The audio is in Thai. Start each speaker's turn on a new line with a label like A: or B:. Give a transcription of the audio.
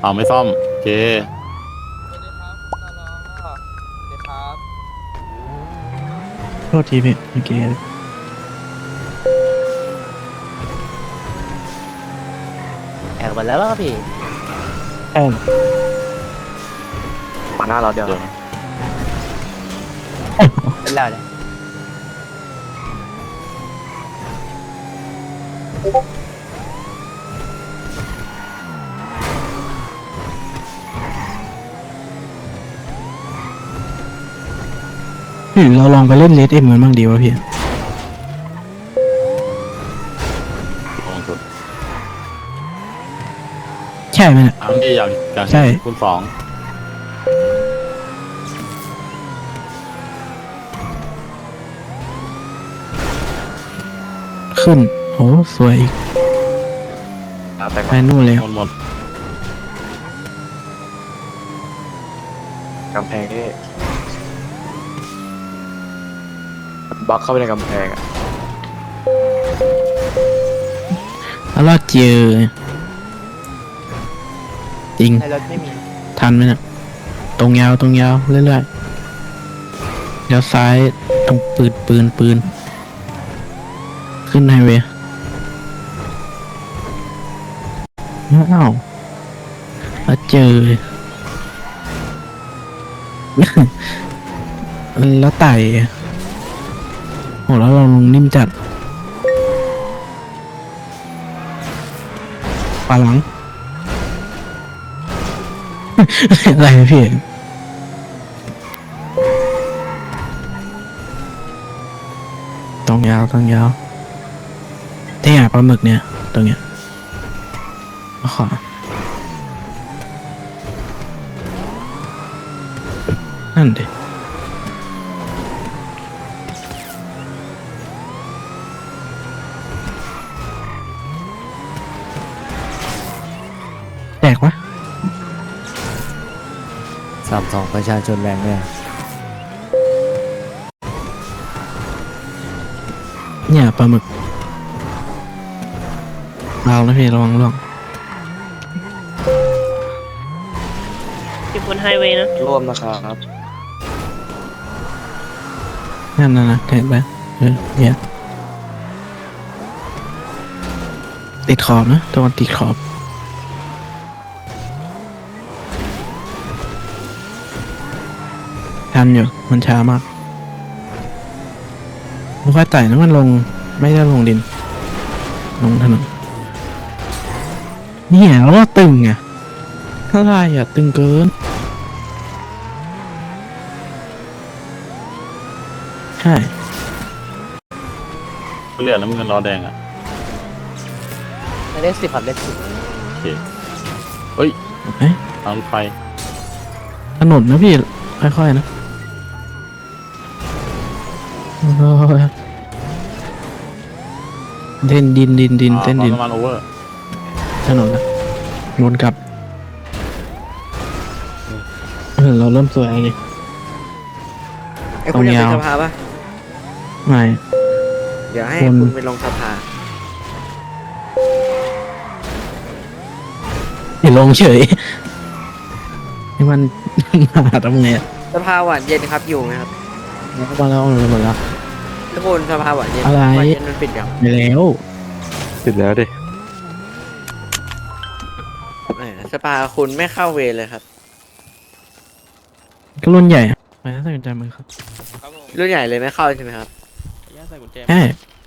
A: เอาไม่ซ่อมโอเค
B: สวัสดีครับคุณตลอสวัสดีครับ
C: โทษทีพี่เมื่อกี้
D: แอบหมดแล้วป่ะพี่
C: แอบ
D: มาหน้าเราเดี๋ยว
A: เดี๋ยวนะ
D: เป็นแล้วเนี่ย
C: หรือเราลองไปเล่นเลดเอ็มกันบ้างดีวะพี่
A: ลงสุด
C: ใช่ไหมเนี่ย
A: อันนี้อย่าง
C: ใช่
A: คุณสอง
C: ขึ้นโหสวยอีก
D: แต่
C: ไปนู่นเลย
A: หมด
D: กำแพงนี่บล็อกเข้าไปในกำแพงอ่ะ
C: แล้วเราเจอจริง
D: ในรถไม่มี
C: ทันไหมเนี่ยตรงยาวเรื่อยๆเดี๋ยวซ้ายตรงปืนขึ้นไฮเวย์อ้าวแล้วเจอ แล้วไต่โหแล้วเราลงนิ่มจัดปลาหลัง อะไรพี่ต้องยาวที่หาปลาหมึกเนี่ยตรงเนี้ยขอนั่นดิแตกวะ
D: 32ประชาชนแรงเนี่ย
C: เนี่ยปลาหมึกเรานะพี่ระวังล่วง
E: อยู่บนไฮเวย์นะ
D: ร่วมนะครับ
C: นั่นนะเห็นไหมเนี่ยติดขอบนะตะวันติดขอบทันอยู่มันช้ามากมันค่อยไต่นะมันลงไม่ได้ลงดินลงถนนเนี่ยแล้วก็ตึงไงอะไรอ่ะตึงเกินใช่
A: เหลือน้ำเงินรอแดงอ่ะ
D: ในเลข10ครับเลข10
A: โอเคเฮ้ย
C: เอ๊ะ
A: ทางรถไฟ
C: ถนนนะพี่ค่อยๆนะโอ้ยเต้นดินเต้นดิน
A: น้ำมันโอเวอร์
C: ถนนนะวนกลับเราเริ่มสวยเลย
F: ไอ้คุณอยากเป็นสภาปะ
C: ไม่
F: เดี๋ยวให้
C: คน
F: คุณไปลงสภา
C: อย่าลงเฉยให้มัน มาทำไงอ่ะ
F: สภาหวานเย็นครับอยู่ไหมครับ
C: มาแล้วหมดแล้ว
F: ทุกคนสภาหวานเย็น
C: อะไร
F: หวานเย็นมันปิดยัง
C: ไปแล้ว
D: ติดแล้วดิ
F: แหมสภาคุณไม่เข้าเวรเลยครับ
C: ก็รุ่นใหญ่อะไปน่าสนใจมือครับ
B: ครับผม
F: รุ่นใหญ่เลยไม่เข้าใช่ไหมครับ
B: ขออนุญาตใส่กุญแจ
C: ใช่